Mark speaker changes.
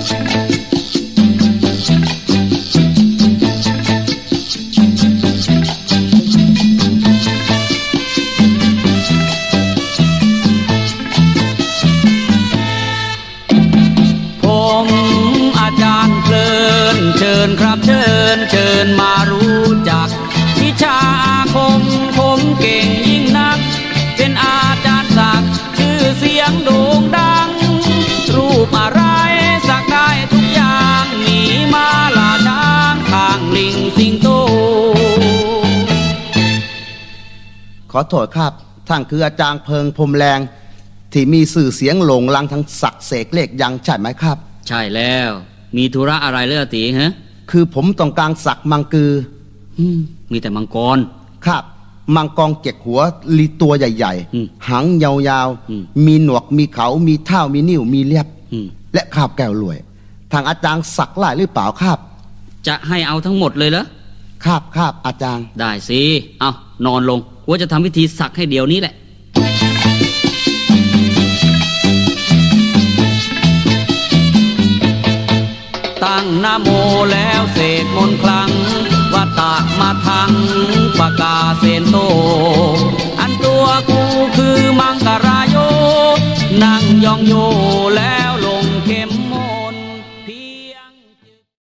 Speaker 1: เชิญครับเชิญมารู้จักวิชาอาคมผมเก่งยิ่งนักเป็นอาจารย์ศักดิ์ชื่อเสียงโด่งดังรูปอะไรสักได้ทุกอย่างหมีม้าลาช้างข้างลิงสิงโต
Speaker 2: ขอโทษครับท่านคืออาจารย์เพิงพรมแรงที่มีสื่อเสียงโหลงลังทั้งศักดิ์เสกเลขยังใช่ไหมครับ
Speaker 1: ใช่แล้วมีธุระอะไรเล่ะตีฮะ
Speaker 2: คือผมต้องการสักมังกือ
Speaker 1: มีแต่มังกร
Speaker 2: ครับมังกรเจ็กหัวลีตัวใหญ่ๆหางยาวๆมีหนวกมีเขามีเท้ามีนิ้วมีเล็บและคาบแก้วรวยทางอาจารย์สักไล่หรือเปล่าครับ
Speaker 1: จะให้เอาทั้งหมดเลยเหรอ
Speaker 2: ครับอาจารย์
Speaker 1: ได้สิเอานอนลงว่าจะทำพิธีสักให้เดี๋ยวนี้แหละตั้งนะโมแล้วเสกมนต์คลังวัตตะมาทังปะกาเสนโตอันตัวกูคือมังกรายโยนั่งยองโย